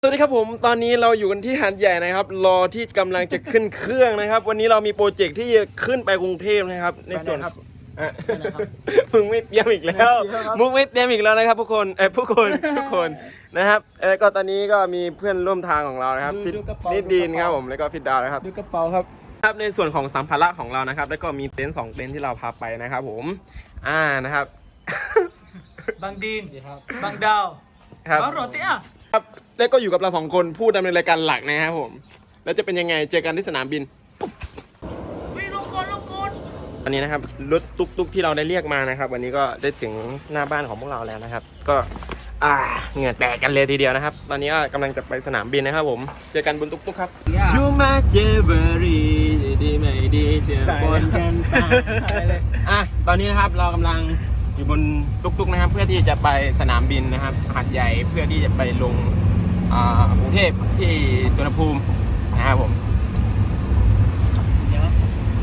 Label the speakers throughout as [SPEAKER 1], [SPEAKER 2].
[SPEAKER 1] สวัสดีครับผมตอนนี้เราอยู่กันที่หาดใหญ่นะครับรอที่กำลังจะขึ้นเครื่องนะครับ วันนี้เรามีโปรเจกต์ที่จะขึ้นไปกรุงเทพนะครับในส่วน
[SPEAKER 2] ครับ
[SPEAKER 1] มึงไม่เตรียมอีกแล้วมุกไม่เตรียมอีกแล้วนะครับทุกคนทุกคนนะครับก็ตอนนี้ก็มีเพื่อนร่วมทางของเรานะครับนิดดีนครับผมแล้วก็ฟิดดาวนะครับ
[SPEAKER 2] ดูกระเป๋าครับ
[SPEAKER 1] ครับในส่วนของสัมภาระของเรานะครับ แล้วก็มีเต็นท์2เต็นท์ที่เราพาไปนะครับผมนะครับ
[SPEAKER 2] บางดีนบางดาว
[SPEAKER 1] ครับ
[SPEAKER 2] บางโรตีอ่ะ
[SPEAKER 1] ครับแล้วก็อยู่กับเรา2คนผู้ดำเนินรายการหลักนะครับผมแล้วจะเป็นยังไงเจอกันที่สนามบิน
[SPEAKER 2] วิ่งลงกน
[SPEAKER 1] วันนี้นะครับรถตุ๊กที่เราได้เรียกมานะครับ วันนี้ก็ได้ถึงหน้าบ้านของพวกเราแล้วนะครับ ก็เหงื่อแตกกันเลยทีเดียวนะครับ ตอนนี้ก็กำลังจะไปสนามบินนะครับผมเจอกันบนตุ๊กครับยูมาเจเบอรี่ดีไม่ดีเจอบนกันไปตอนนี้นะครับเรากำลังอยู่บนตุ๊กนะครับ เพื่อที่จะไปสนามบินนะครับหาดใหญ่เพื่อที่จะไปลงกรุงเทพที่สุวรรณภูมินะครับผม
[SPEAKER 2] เดี๋ยว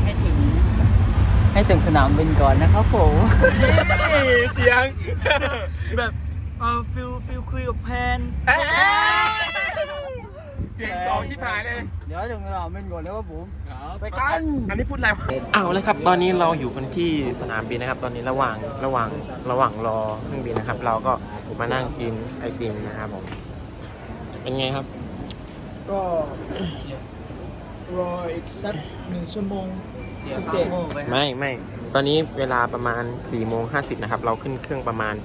[SPEAKER 2] ให้ถึงสนามบินก่อนนะครับผม
[SPEAKER 1] เสียง
[SPEAKER 2] แบบฟิลคุยกับแพน
[SPEAKER 1] เสียงสองชิบหายเลย
[SPEAKER 2] เดี๋ยวถึงสนามบินก่อนนะครับผมไปกัน
[SPEAKER 1] อันนี้พูดอะไรเอาเลยครับ ตอนนี้เราอยู่กันที่สนามบินนะครับ ตอนนี้ระหว่างรอเครื่องบินนะครับ เราก็มานั่งกินไอติมนะครับผม เป็นไงครับ
[SPEAKER 2] ก็รออีกสัก1 ชั่วโมงเสียค่าโง่ไป
[SPEAKER 1] ไม่ ตอนนี้เวลาประมาณ4:50นะครับ เราขึ้นเครื่องประมาณ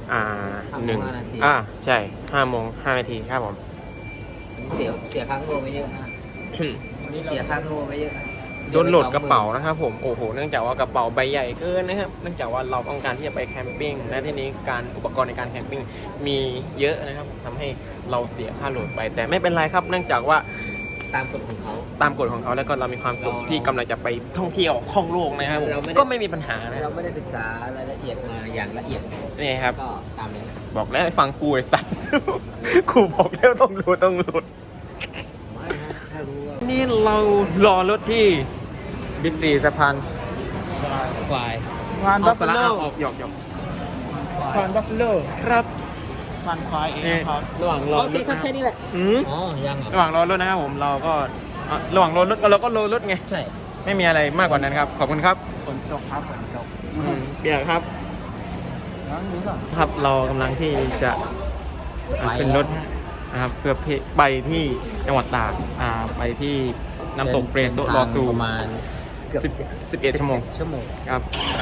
[SPEAKER 1] ใช่5:05ครับผม
[SPEAKER 3] เสียค่าโง่ไปเยอะนะวันนี้เสียค่าโง่ไปเยอะนะ
[SPEAKER 1] โดนโหลดกระเป๋านะครับผมโอ้โหเนื่องจากว่ากระเป๋าใบใหญ่เกินนะครับเนื่องจากว่าเราต้องการที่จะไปแคมปิ้งและที่นี้การอุปกรณ์ในการแคมปิ้งมีเยอะนะครับทำให้เราเสียค่าโหลดไปแต่ไม่เป็นไรครับ เนื่องจากว่า
[SPEAKER 3] ตามกฎของเขา
[SPEAKER 1] ตามกฎของเขาแล้วก็เรามีความสุขที่กำลังจะไปท่องเที่ยวท่องโลกนะครับผม
[SPEAKER 3] เราไม่ได้
[SPEAKER 1] ก็ไม่มีปัญหานะ
[SPEAKER 3] เราไม่ได้ศึกษารายละเอียดมาอย่างละเอียด
[SPEAKER 1] นี่ครับ
[SPEAKER 3] ก็ตามนี้
[SPEAKER 1] บอกแล้วให้ฟังกูไอ้สัตว์ กูบอกแล้วต้องโหลด
[SPEAKER 3] ไม่นะถ้ารู้ว่า
[SPEAKER 1] นี่เรารอรถที่บิ๊กซีสะพาน
[SPEAKER 3] ควาย
[SPEAKER 2] งานบัฟเฟ
[SPEAKER 1] สาระ
[SPEAKER 2] โล
[SPEAKER 1] ออกหยอก
[SPEAKER 2] งานบัฟเฟโล
[SPEAKER 1] ครับ
[SPEAKER 2] งานควายเอง
[SPEAKER 1] นี่
[SPEAKER 2] ครับ
[SPEAKER 1] ระหว่างรอ
[SPEAKER 3] โอเคครับแค่นี้แหละ อ๋อ ยังเหรอ
[SPEAKER 1] ระหว่างรอรถนะครับผมเราก็ระหว่างรอรถเราก็รอรถไง
[SPEAKER 3] ใช่
[SPEAKER 1] ไม่มีอะไรมากกว่านั้นครับ ขอบคุณครับ
[SPEAKER 2] ฝนตกครับฝนตก
[SPEAKER 1] เปียกครับ
[SPEAKER 2] งั้นดูก่อน
[SPEAKER 1] ครับเรากำลังที่จะขึ้นรถนะครับเพื่อไปที่จังหวัดตากไปที่น้ำตกเปรตโตรอซู
[SPEAKER 3] ประมาณเกือบ
[SPEAKER 1] 11 ชั่วโมง
[SPEAKER 3] ชั่วโมง
[SPEAKER 1] ครับ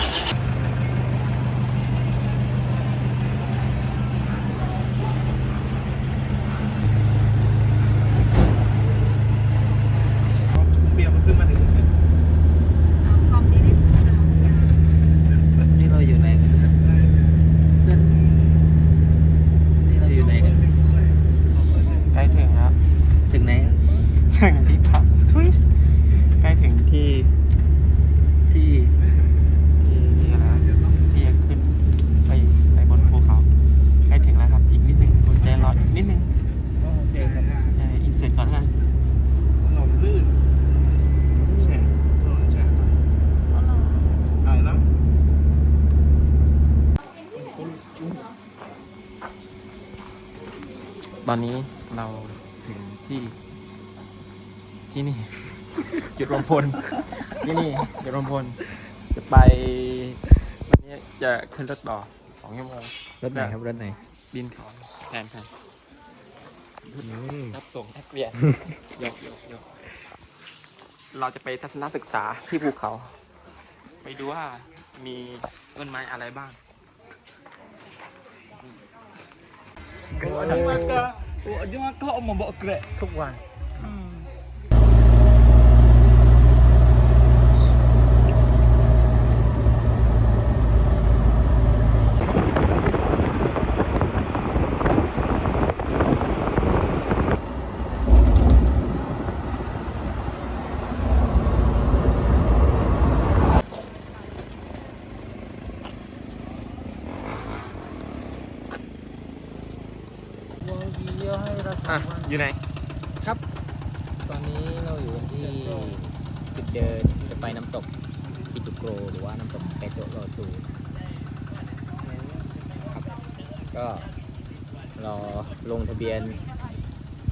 [SPEAKER 2] เบียร์มันขึ้นมาถึง
[SPEAKER 3] นี่เราอยู่ไหนกันเนี่ยเพื่อนนี่เราอยู่ไหนกัน
[SPEAKER 1] ใกล้ถึงแล้ว
[SPEAKER 3] ถึงไหน
[SPEAKER 1] ถึงที่พักใกล้ถึงที่
[SPEAKER 3] ที่
[SPEAKER 1] อะไรนะที่จะขึ้นไปบนภูเขาใกล้ถึงแล้วครับอีกนิดนึงอดใจรออีกนิดนึง
[SPEAKER 2] โอเคครับ
[SPEAKER 1] อินเสร็จก่อนฮะ
[SPEAKER 2] ถนนลื่นแฉะถนนแฉะอะไรนะ
[SPEAKER 1] ตอนนี้เราถึงที่นี่ จุดรวมพลที่นี่จุดรวมพลจะไปวันนี้จะขึ้นรถต่อ2 ชั่วโมง
[SPEAKER 3] รถไหนครับรถไหน
[SPEAKER 1] บินเขาแทนรับส่งแท็กเบียนยกเราจะไปทัศนศึกษาที่ภูเขา ไปดูว่ามีต้นไม้อะไรบ้าง
[SPEAKER 2] dia makan mau bawa grab ทุกวัน
[SPEAKER 1] อยู่ไหน
[SPEAKER 3] ครับ ตอนนี้เราอยู่กันที่จุดเดินจะไปน้ำตกปิตุโกรหรือว่าน้ำตกเปโตรโรซูครับก็รอลงทะเบียน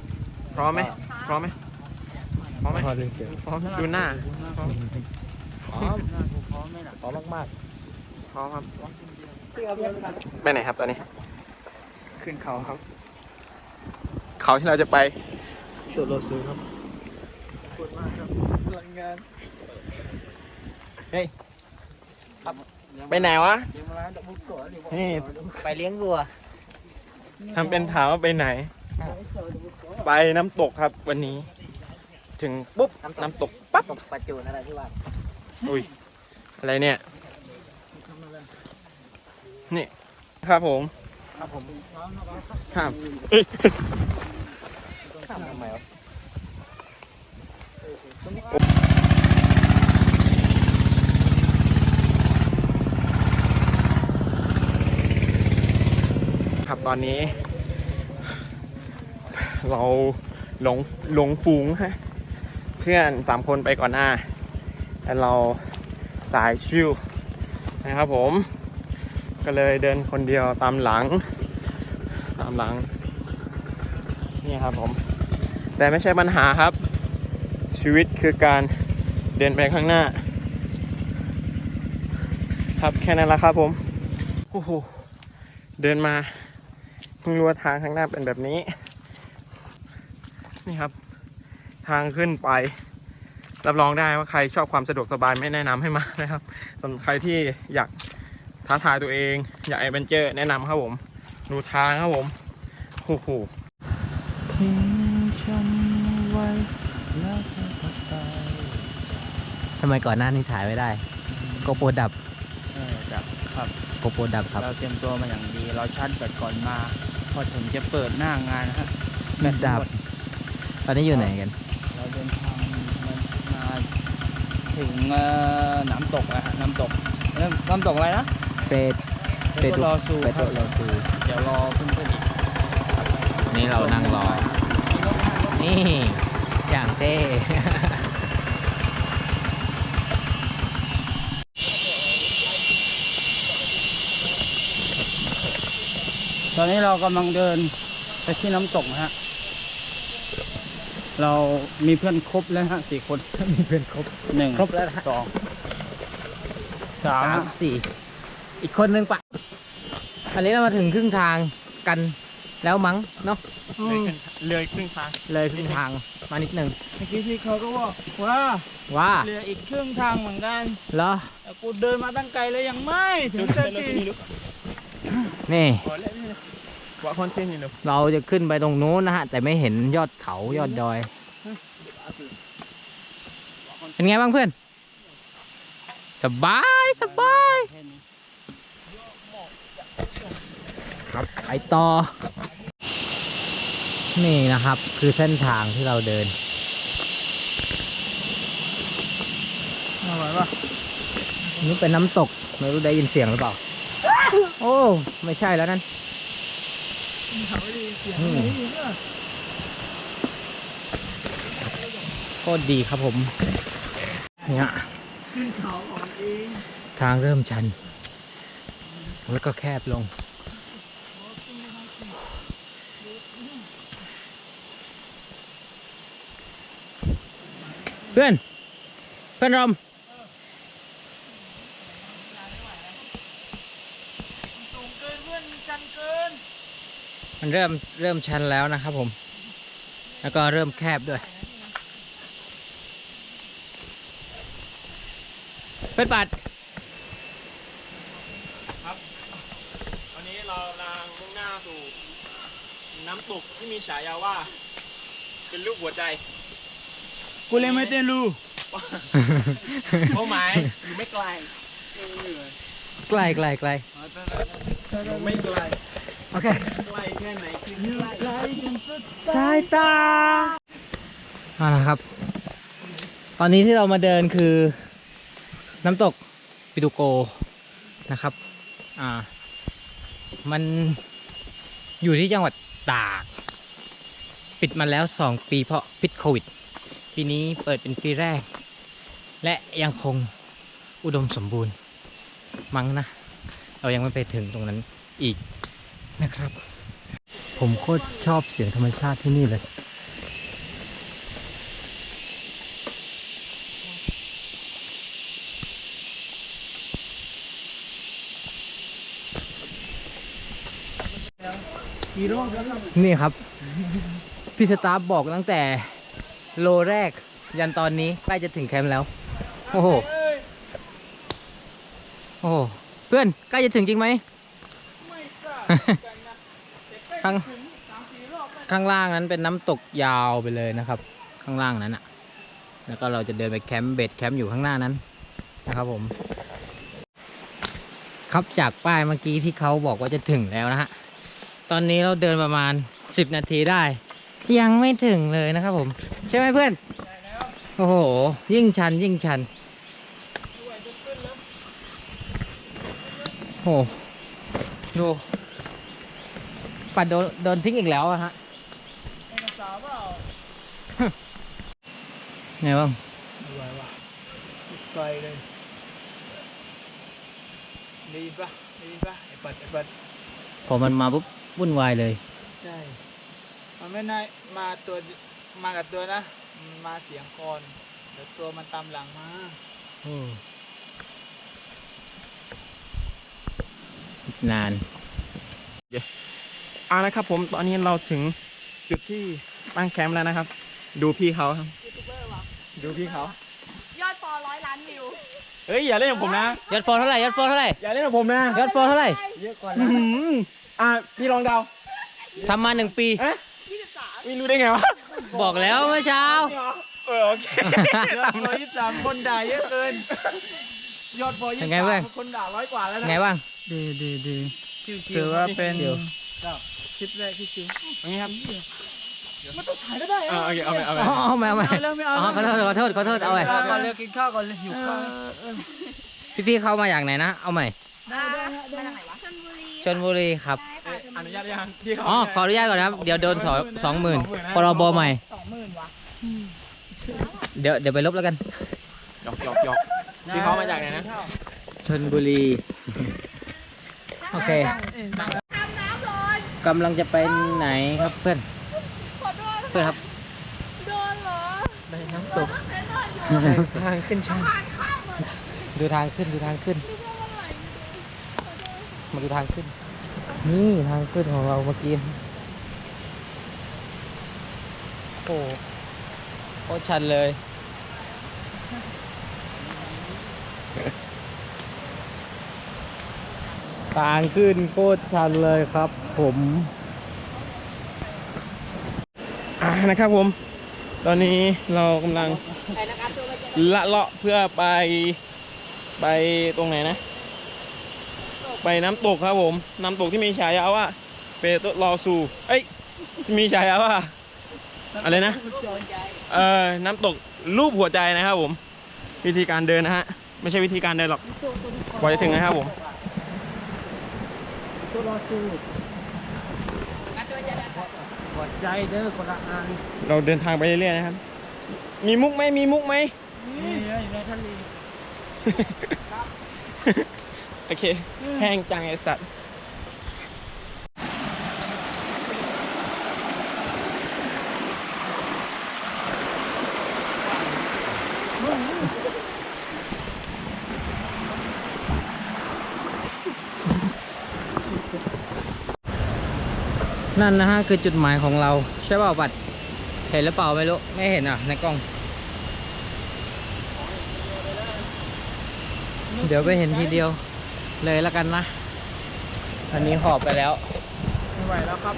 [SPEAKER 1] พร้อมไหมพร้อมไหมพร้อมไหม
[SPEAKER 3] พอเล่นเกม
[SPEAKER 1] พร้อมดูหน้าพร้อม
[SPEAKER 3] พร้อมพร้อมไหมล่ะพร้อมมาก
[SPEAKER 1] พร้อมครับไปไหนครับตอนนี้
[SPEAKER 2] ขึ้นเขาครับ
[SPEAKER 1] เขาที่เราจะไป
[SPEAKER 2] ตัวโลซูครับขอบคุณมากครับรายงาน
[SPEAKER 1] เฮ้ยไปไหนวะนี่
[SPEAKER 3] ๆไปเลี้ยงวัว
[SPEAKER 1] ทำเป็นถามว่าไปไหน ไปน้ำตกครับวันนี้ ถึงปุ๊บน้ำตกปั๊บ
[SPEAKER 3] ตกปลาจูนอะไรที่ว่า
[SPEAKER 1] อุ้ยอะไรเนี่ยนี่ครับผม
[SPEAKER 3] ครับผม
[SPEAKER 1] ครับ
[SPEAKER 3] ทำไมวะ
[SPEAKER 1] ครับตอนนี้ เราหลงฝูงฮะเพื่อน3 คนไปก่อนหน้าแล้วเราสายชิวนะครับผม ก็เลยเดินคนเดียวตามหลังนี่ครับผม แต่ไม่ใช่ปัญหาครับ ชีวิตคือการเดินไปข้างหน้า ครับแค่นั้นละครับผมโอ้โหเดินมาเพิ่งรู้ว่าทางข้างหน้าเป็นแบบนี้นี่ครับ ทางขึ้นไปรับรองได้ว่าใครชอบความสะดวกสบายไม่แนะนำให้มานะครับสำหรับใครที่อยากท้าทายตัวเองอยากแอดเวนเจอร์แนะนำครับผมดูทางครับผมโอ้โหทิ้งฉันไว้แล้วเธอก็ไป
[SPEAKER 3] ทำไมก่อนหน้านี้ถ่ายไม่ได้โกโปรดับ
[SPEAKER 2] ดับครับ
[SPEAKER 3] โกโปรดับครับ
[SPEAKER 2] เราเตรียมตัวมาอย่างดี เราชาร์จแบตก่อนมา พอถึงจะเปิดหน้างานนะฮะ
[SPEAKER 3] แบตดับ ตอนนี้อยู่ไหนกัน
[SPEAKER 2] เราเดินทางมาถึงน้ำตกนะฮะน้ำตกอะไรนะ
[SPEAKER 3] เปด
[SPEAKER 2] เปโตรลอซู
[SPEAKER 3] เปโตรลอซู
[SPEAKER 2] เดี๋ยวรอเพื่อนๆอีก
[SPEAKER 3] นี่เรานั่งรอ นี่อย่างเท่
[SPEAKER 2] ตอนนี้เรากำลังเดินไปที่น้ำตกนะฮะ เรามีเพื่อนครบแล้วฮะ4 คน
[SPEAKER 3] มีเพื่อนครบ
[SPEAKER 2] 1
[SPEAKER 3] ครบแล้วนะ
[SPEAKER 2] 2
[SPEAKER 3] สาม
[SPEAKER 2] 3
[SPEAKER 3] สี่อีกคนนึงปะอันนี้เรามาถึงครึ่งทางกันแล้วมั้งเนาะ
[SPEAKER 1] เลยครึ่งทาง
[SPEAKER 3] เลยครึ่งทางมานิดหนึ่ง
[SPEAKER 2] เมื่อกี้พี่เขาก็บอกว่า
[SPEAKER 3] ว่า
[SPEAKER 2] เหลืออีกครึ่งทางเหมือนกัน
[SPEAKER 3] เหรอ
[SPEAKER 2] แต่กูเดินมาตั้งไกลเลยยังไม่ถึงสักที
[SPEAKER 3] นี่
[SPEAKER 1] ว่าคอนเทนต์นี่เลย
[SPEAKER 3] เราจะขึ้นไปตรงนู้นนะฮะ แต่ไม่เห็นยอดเขายอดดอย เป็นไงบ้างเพื่อน สบายสบายครับไปต่อ นี่นะครับ คือเส้นทางที่เราเดิน
[SPEAKER 2] อร่อยปะ
[SPEAKER 3] นี่เป็นน้ำตก ไม่รู้ได้ยินเสียงหรือเปล่า โอ้ ไม่ใช่แล้วนั่นโคตรดีครับผม เนี่ยทางเริ่มชัน แล้วก็แคบลง เพื่อนรอม
[SPEAKER 2] สูงเกินเพื่อนชันเกิน
[SPEAKER 3] มันเริ่มชันแล้วนะครับผม แล้วก็เริ่มแคบด้วย เพื่อนปัด
[SPEAKER 1] วันนี้เรากำลังมุ่งหน้าสู่น้ำตกที่มีฉายาว่า เป็นรูปหัวใจ
[SPEAKER 2] กูเลยไม่เต้นรู้
[SPEAKER 1] เป้าหมายอยู่ไม่ไกล
[SPEAKER 3] ไกล
[SPEAKER 1] อยู่ไม่ไกล
[SPEAKER 3] โอเค
[SPEAKER 1] ไกลแค่ไหนคือ
[SPEAKER 2] ไกลจนสุด
[SPEAKER 3] สายตาครับ ตอนนี้ที่เรามาเดินคือน้ำตกปิตุโกนะครับ มันอยู่ที่จังหวัดตาก ปิดมาแล้ว2 ปีเพราะพิษโควิด ปีนี้เปิดเป็นปีแรก และยังคงอุดมสมบูรณ์มั้งนะ เรายังไม่ไปถึงตรงนั้นอีกนะครับ ผมโคตรชอบเสียงธรรมชาติที่นี่เลย
[SPEAKER 2] กี่รอบแล้วครับ
[SPEAKER 3] นี่ครับ พี่สตาฟบอกตั้งแต่โลแรก ยันตอนนี้ใกล้จะถึงแคมป์แล้ว โอ้โห โอ้โห เพื่อนใกล้จะถึงจริงไหม
[SPEAKER 2] ไม่ทราบกันนะแต่ใกล้
[SPEAKER 3] ข้าง
[SPEAKER 2] ถึง3-4 รอบแล้ว
[SPEAKER 3] ข้างล่างนั้นเป็นน้ำตกยาวไปเลยนะครับ ข้างล่างนั้นอ่ะ แล้วก็เราจะเดินไปแคมป์เบสแคมป์อยู่ข้างหน้านั้นนะครับผม ครับจากป้ายเมื่อกี้ที่เขาบอกว่าจะถึงแล้วนะฮะ ตอนนี้เราเดินประมาณ10 นาทีได้ ยังไม่ถึงเลยนะครับผม ใช่ไหมเพื่อน โอ้โห ยิ่งชันยิ่งชัน โอ้โห ดูปัดโดนทิ้งอีกแล้วอะฮะ
[SPEAKER 2] เอกสารเปล่า
[SPEAKER 3] ไงบ้าง
[SPEAKER 2] ไม่ไหวว่ะไกลเลยได้ยินปะได้ยินปะไอ้ปัด
[SPEAKER 3] พอมันมาปุ๊บวุ่นวายเลย
[SPEAKER 2] ใช่มันไม่น่ามากับตัวนะมันมาเสียงคอนเดี๋ยวตัวมันตามหลังมา
[SPEAKER 3] นาน
[SPEAKER 1] เอาละครับผมตอนนี้เราถึงจุดที่ตั้งแคมป์แล้วนะครับ ดูพี่เขาครับ
[SPEAKER 4] ยูทูบเบอร์วะ
[SPEAKER 1] ดูพี่เขา
[SPEAKER 4] ยอดฟอล100 ล้านวิว
[SPEAKER 1] เฮ้ยอย่าเล่นกับผมนะ
[SPEAKER 3] ยอดฟอลเท่าไหร่ยอดฟอลเท่าไหร่
[SPEAKER 1] อย่าเล่นกับผมนะ
[SPEAKER 3] ยอดฟอลเท่าไหร่
[SPEAKER 2] เยอะกว่า
[SPEAKER 1] อื้
[SPEAKER 2] นะ
[SPEAKER 1] อหือพี่ลองเดา
[SPEAKER 3] ทำมา1 ปี
[SPEAKER 1] เอ๊ะ
[SPEAKER 4] 23
[SPEAKER 1] ไม่รู้ได้ไงวะ
[SPEAKER 3] บอกแล้วเมื่อเช้า
[SPEAKER 1] โอเค
[SPEAKER 2] ยอดฟอ23คนด่าเยอะเกินยอดฟอ
[SPEAKER 3] เป็นไงเพื่อน
[SPEAKER 2] 23คนด่า100 กว่าแล้วนะ
[SPEAKER 3] ไงบ้าง
[SPEAKER 2] ดีชิวๆถือว่าเป็นคลิปแรกที่ชิว
[SPEAKER 1] อย่างนี้ครับ
[SPEAKER 2] มันต้องถ่ายก็ได้
[SPEAKER 1] โอเคเอาไป
[SPEAKER 3] เอามา
[SPEAKER 2] เอาแล้วไม่เอา
[SPEAKER 3] ขอโทษเอาใหม่
[SPEAKER 2] กินข้าวก่อนเลยกินข้าวก่อนเลยหิวข้าว
[SPEAKER 3] พี่ๆเข้ามาจากไหนนะ เอาใหม่
[SPEAKER 4] มาจากไหนวะชลบุรี
[SPEAKER 3] ชลบุรีครับ
[SPEAKER 4] ใช่ค่ะชล
[SPEAKER 1] อ
[SPEAKER 4] บุ
[SPEAKER 1] นุ
[SPEAKER 4] รี
[SPEAKER 1] ญาตยังพี่เขา
[SPEAKER 3] อ๋อ ขออนุญาตก่อนนะครับ เดี๋ยวโดน20,000พรบใหม่
[SPEAKER 4] 20,000 วะ
[SPEAKER 3] เดี๋ยวไปลบแล้วกัน
[SPEAKER 1] หยอกพี่เขามาจากไหนนะ
[SPEAKER 3] ชลบุรี โอเค
[SPEAKER 4] ทำน้ำร้อน
[SPEAKER 3] กำลังจะไปไหนครับเพื่อน
[SPEAKER 4] ขอโทษ
[SPEAKER 3] เพื่อนครับ
[SPEAKER 4] โดนเหรอ
[SPEAKER 3] ไปน้ำตก
[SPEAKER 4] เห็นนอนอยู่
[SPEAKER 3] ทางขึ้นชัน
[SPEAKER 4] ผ่านข้ามหมด
[SPEAKER 3] ดูทางขึ้น
[SPEAKER 4] นึกว่าอะไร
[SPEAKER 3] มาดูทางขึ้น นี่ทางขึ้นของเราเมื่อกี้ โอ้โหโคตรชันเลย ทางขึ้นโคตรชันเลยครับ ผม
[SPEAKER 1] นะครับผม ตอนนี้เรากำลัง
[SPEAKER 4] ไปนะครับตัวไปเจอ
[SPEAKER 1] ละเลาะเพื่อไปตรงไหนนะ ไปน้ำตกครับผม น้ำตกที่มีฉายาว่าเปโตรลอซูเอ้ยมีฉายาว่าอะไรนะ น้ำตกรูปหัวใจนะครับผม วิธีการเดินนะฮะ ไม่ใช่วิธีการเดินหรอกกว่าจะถึงนะครับผม
[SPEAKER 2] ตัวรอสู้
[SPEAKER 4] ตัวจะได้
[SPEAKER 2] หัวใจเด้อคนละอัน
[SPEAKER 1] เราเดินทางไปเรื่อยๆนะครับ มีมุกไหมมีมุกไหม
[SPEAKER 2] นี่อยู่ในทะเล
[SPEAKER 1] โอเค แห้งจังไอสัตว์
[SPEAKER 3] นั่นนะฮะคือจุดหมายของเรา ใช่เปล่าบัตรเห็นหรือเปล่าไม่รู้ ไม่เห็นอ่ะในกล้อง เดี๋ยวไปเห็นทีเดียวเลยแล้วกันนะ อันนี้หอบไปแล้ว
[SPEAKER 2] ไม่ไหวแล้วครับ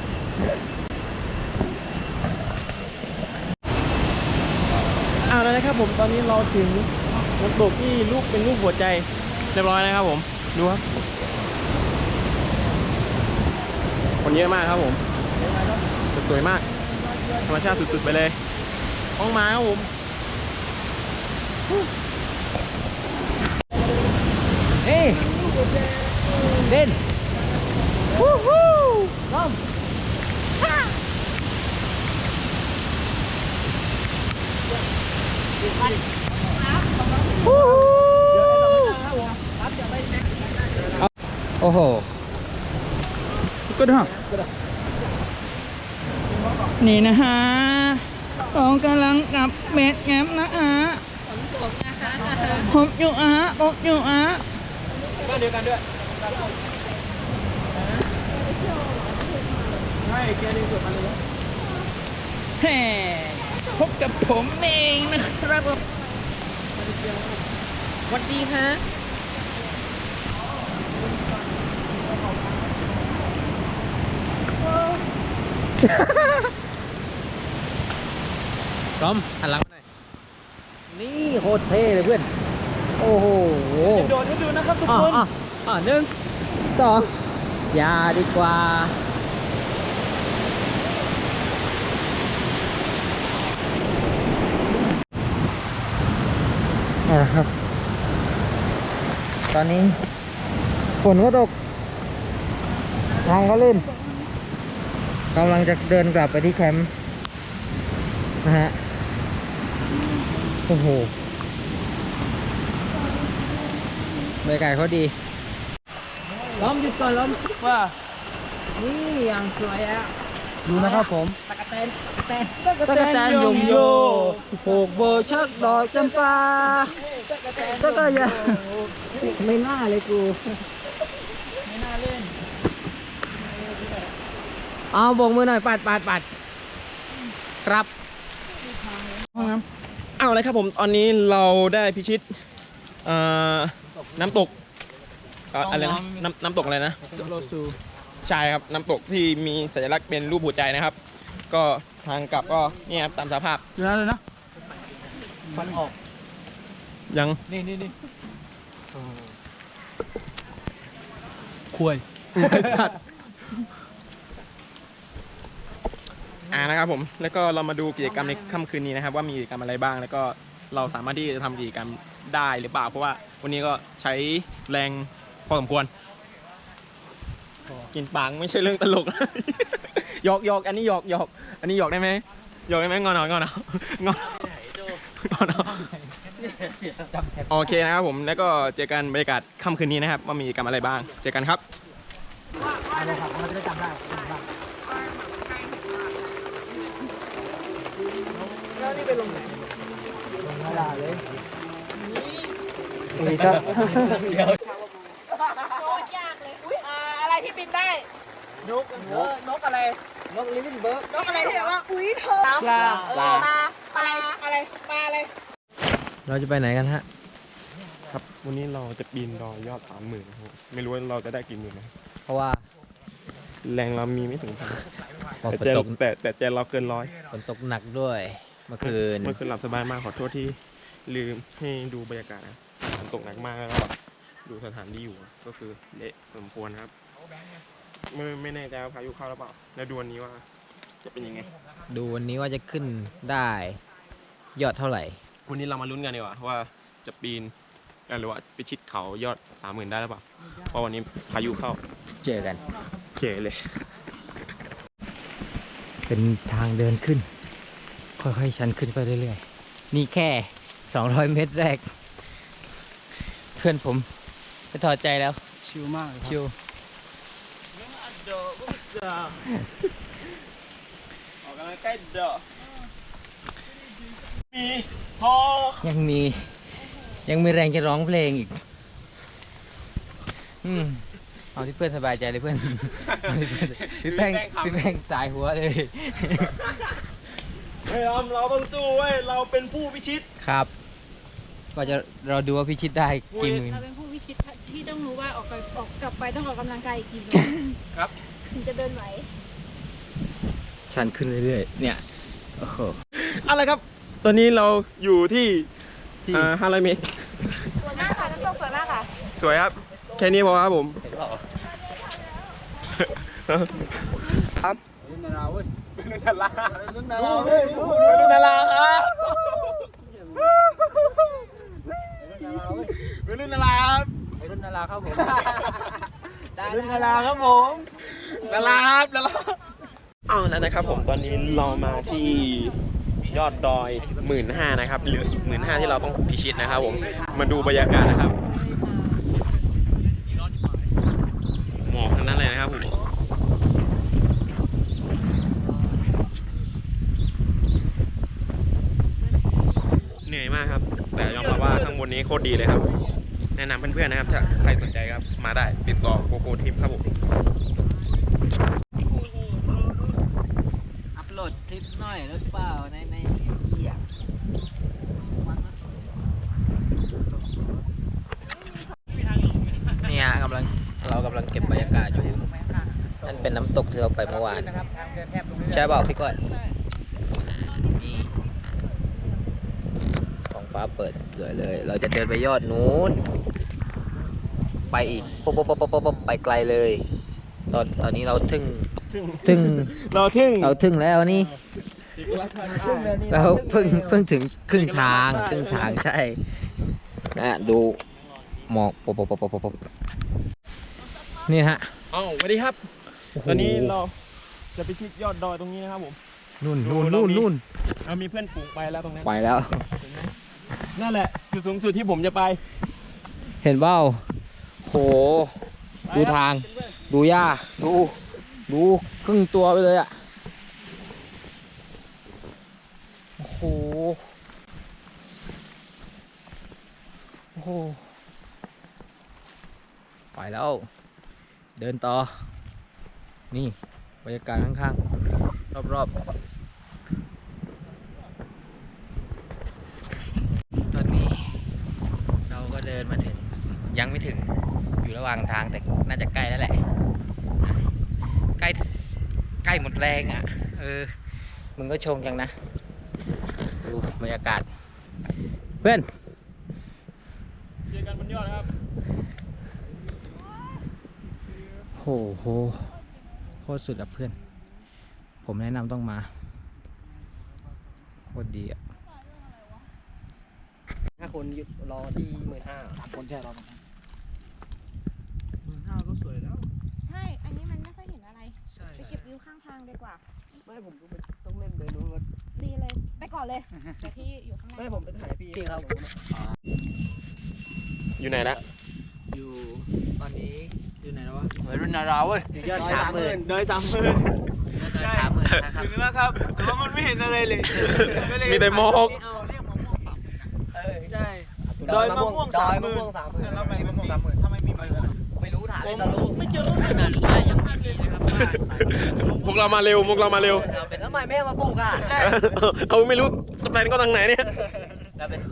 [SPEAKER 1] เอาแล้วนะครับผมตอนนี้เราถึงน้ำตกที่รูปเป็นรูปหัวใจเรียบร้อยนะครับผมดูครับคนเยอะมากครับผมสวยมากธรรมชาติสุดๆไปเลยห้องมาครับผม
[SPEAKER 3] เฮ้ยเด่นวู้ฮู้ล้อมโอ้โห
[SPEAKER 2] ก็ได้นี่นะฮะเรากำลังกับเม็ดแง้มนะฮะผมอยู่อ่ะผมอยู่อ่ะ
[SPEAKER 1] บ้านเดียวกันด้วย
[SPEAKER 2] ฮไม่แกดึงกดมาเลยแฮ่พบกับผมเองนะครับผม
[SPEAKER 3] สวัสดีฮะพร้อมหันหลังมาหน่อยนี่โคตรเท่เลยเพื่อน โอ้โห
[SPEAKER 2] โดดให้ดูนะครับทุก
[SPEAKER 3] อ๋อ
[SPEAKER 2] คน
[SPEAKER 3] อ๋อหนึ่งสองอย่าดีกว่าครับ ตอนนี้ฝนก็ตก ทางก็ลื่นกำลังจะเดินกลับไปที่แคมป์นะฮะ โอ้โหบรรยากาศเขาดี ล้อมหยุดก่อนล้อม
[SPEAKER 2] ว่า
[SPEAKER 3] นี่ยังสวยอ่ะ
[SPEAKER 2] ดูนะครับผม
[SPEAKER 3] ตะกะแตนตะกะแตน
[SPEAKER 2] ตะกะแตนยมโยผูกโบชักดอกจำปาตะกะยา
[SPEAKER 3] ไม่น่าเลยกู
[SPEAKER 2] ไม่น่าเล่น
[SPEAKER 3] เอาโบกมือหน่อยปัดครับ
[SPEAKER 1] เอาเลยครับผมตอนนี้เราได้พิชิตน้ำตกอะไรนะน้ำตกอะไรนะ
[SPEAKER 2] โรซู
[SPEAKER 1] ใช่ครับน้ำตกที่มีสัญลักษณ์เป็นรูปหัวใจนะครับ ก็ทางกลับก็เนี่ยครับตามสภาพ
[SPEAKER 2] ดูนะเลยนะฟันออก
[SPEAKER 1] ยัง
[SPEAKER 2] นี่คุย
[SPEAKER 1] ไอสัตว์นะครับผมแล้วก็เรามาดูกิจกรรมในค่ำคืนนี้นะครับ ว่ามีกิจกรรมอะไรบ้าง แล้วก็เราสามารถที่จะทำกิจกรรมได้หรือเปล่าเพราะว่าวันนี้ก็ใช้แรงพอสมควร กินปังไม่ใช่เรื่องตลก หยอกอันนี้หยอกอันนี้หยอกได้ไหมหยอกได้ไหมงอนหน่อยงอนโอเคนะครับผมแล้วก็เจอกันบรรยากาศค่ำคืนนี้นะครับว่ามีกิจกรรมอะไรบ้างเจอกันครับ
[SPEAKER 3] อะไรครับเราจะได้จำได้
[SPEAKER 2] แล้วนี่ไปลงไหนลงนาลาเลย
[SPEAKER 3] นี่ครับ
[SPEAKER 4] อะไรที่บินได้
[SPEAKER 2] นกอะไรนกลิฟเบิร์ก
[SPEAKER 4] นกอะไรที่แบบว่า อุ้ยเธอ
[SPEAKER 2] ปลา
[SPEAKER 4] ปลาอะไรปลาอะไร
[SPEAKER 3] เราจะไปไหนกันฮะ
[SPEAKER 1] ครับวันนี้เราจะปีนดอยยอด 30,000นะครับไม่รู้ว่าเราจะได้กี่หมื่นนะ
[SPEAKER 3] เพราะว่า
[SPEAKER 1] แรงเรามีไม่ถึงพัน
[SPEAKER 3] ฝน
[SPEAKER 1] แต่
[SPEAKER 3] ตก
[SPEAKER 1] แต่ใจเราเกินร้อย
[SPEAKER 3] ฝนตกหนักด้วยเมื่อคืน
[SPEAKER 1] เมื่อคืนหลับสบายมากขอโทษที่ลืมให้ดูบรรยากาศนะฝนตกหนักมากแล้วก็ดูสถานที่อยู่ก็คือเละสมควรครับไม่แน่ใจว่าพายุเข้าหรือเปล่าแล้วดูวันนี้ว่าจะเป็นยังไง
[SPEAKER 3] ดูวันนี้ว่าจะขึ้นได้ยอดเท่าไหร่
[SPEAKER 1] วันนี้เรามาลุ้นกันดีกว่าว่าจะปีนหรือว่าไปชิดเขายอด 30,000ได้หรือเปล่าเพราะวันนี้พายุเข้า
[SPEAKER 3] เจอกัน
[SPEAKER 1] เจ๋เลย
[SPEAKER 3] เป็นทางเดินขึ้น ค่อยๆชันขึ้นไปเรื่อยๆ นี่แค่ 200 เมตรแรก เพื่อนผมจะถอดใจแล้ว
[SPEAKER 2] ชิวมากเลยครับ
[SPEAKER 3] ชิว
[SPEAKER 1] ออกกำลังใกล้เดอมีพอ
[SPEAKER 3] ยังมีแรงจะร้องเพลงอีก เอาที่เพื่อนสบายใจเลยเพื่อน พี่แป้งสายหัวเลย
[SPEAKER 1] ไม่ยอมเราต้องสู้เว้ยเราเป็นผู้พิชิต
[SPEAKER 3] ครับ ก็จะเราดูว่าพิชิตได้กี่หมื่น
[SPEAKER 5] เราเป็นผู้วิชิตที่ต้องรู้ว่าออกกลับไปต้องออกกำลังกายอีกกี่โล
[SPEAKER 1] ครับ
[SPEAKER 5] ถึงจะเดินไหว
[SPEAKER 3] ชันขึ้นเรื่อยๆ เนี่ย โอ้โห
[SPEAKER 1] อะไรครับ ตอนนี้เราอยู่ที่
[SPEAKER 3] ที่
[SPEAKER 1] 500 เมตร
[SPEAKER 5] สวยมากค่ะน้ำตกสวยมากค่ะ
[SPEAKER 1] สวยครับ แค่นี้พอครับผม
[SPEAKER 3] เห็นเปล่า
[SPEAKER 1] ครับ
[SPEAKER 2] รุ่นนาราเว้ย
[SPEAKER 1] รุ่นนารา
[SPEAKER 2] รุ่นนาราเว้ย
[SPEAKER 1] รุ่นนาราครับ
[SPEAKER 2] รุ่นนาราเว้ย
[SPEAKER 1] รุ่นนาราครับ
[SPEAKER 2] รุ่นนาราครับผมรุ่นนาราครับผม
[SPEAKER 1] นาราครับนาราเอาแล้วนะครับผมตอนนี้เรามาที่ยอดดอย 15,000 นะครับเหลืออีก 15,000 ที่เราต้องพิชิตนะครับผมมาดูบรรยากาศนะครับหมอกทั้งนั้นเลยนะครับผมเหนื่อยมากครับ แต่ยอมรับว่าข้างบนนี้โคตรดีเลยครับ แนะนำเพื่อนๆนะครับถ้าใครสนใจครับมาได้ติดต่อโกโก้ทิปครับผม
[SPEAKER 3] นิดหน่อยหรือเปล่าในเหี้ยเนี่ยเรากำลังเก็บบรรยากาศอยู่นั่นเป็นน้ำตกที่เราไปเมื่อวานใช่เปล่าพี่ก้อยนี่ท้องฟ้าเปิดสวยเลย เราจะเดินไปยอดนู้นไปอีกปุ๊บไปไกลเลย ตอนนี้เราถึง
[SPEAKER 1] เราทึ่ง
[SPEAKER 3] แล้วนี่เราเพิ่งถึงครึ่งทางใช่นะดูหมอกปบนี่ฮะ
[SPEAKER 1] เอ้าสวัสดีครับ ตอนนี้เราจะไปที่ยอดดอยตรงนี้นะครับผม
[SPEAKER 3] นู่น
[SPEAKER 1] เรามีเพื่อนฝูงไปแล้วตรงนั้น
[SPEAKER 3] ไปแล้ว
[SPEAKER 1] นั่นแหละจุดสูงสุดที่ผมจะไป
[SPEAKER 3] เห็นเปล่าโหดูทาง ดูหญ้าดูครึ่งตัวไปเลยอ่ะโอ้โหไปแล้ว เดินต่อ นี่บรรยากาศข้างๆรอบๆตอนนี้เราก็เดินมาถึงยังไม่ถึงอยู่ระหว่างทางแต่น่าจะใกล้แล้วแหละใกล้หมดแรงอ่ะมึงก็ชงจังนะดูบรรยากาศเพื่อน
[SPEAKER 1] เจอกันบนยอดนะครับ
[SPEAKER 3] โหโคตรสุดอ่ะเพื่อนผมแนะนำต้องมาโคตรดีอ่ะ
[SPEAKER 6] 5 คนรอที่15,000 3 คนใช่รอ
[SPEAKER 2] 15,000ก็สวยแล้ว
[SPEAKER 4] ใช่ อันนี้มันไม่ค่อยเห็นอะไร ไปเก็บวิวข้างทางดีกว่า
[SPEAKER 6] ไม่ผมก็ต้องเล่นไปนู้นว่า
[SPEAKER 4] ดีเลย ไปก่อนเลยเดี๋ยวพี่อยู่ข้างใน
[SPEAKER 6] ไม่ผมไปถ่ายพี่ครับ
[SPEAKER 1] อยู่ไหนละ
[SPEAKER 2] อยู่ตอนนี้อยู่ไหนแล้ววะรุ่นนาราเว้ย
[SPEAKER 3] ยอด30,000
[SPEAKER 2] ดอย30,000
[SPEAKER 3] นะครับ
[SPEAKER 2] ถึงแล้วครับ แต่ว่ามันไม่เห็นอะไรเลย
[SPEAKER 1] มีแต่หมอก
[SPEAKER 2] ใช่ดอยมะม่วง
[SPEAKER 6] 30,000
[SPEAKER 2] 30,000แล้วทำไมมะม่วง30,000ทำไมมีใบม่วง
[SPEAKER 6] ไม่รู้ถ่าย
[SPEAKER 2] ไม่เจอ
[SPEAKER 3] ขนาดนี้ยังไม่มีนะครับว่า
[SPEAKER 1] พวกเรามาเร็ว
[SPEAKER 6] แล้วทำไมแม่มาปลูกอ่ะ
[SPEAKER 1] เขาไม่รู้สแปนก็ทางไหนเนี่ย
[SPEAKER 3] เราเป็น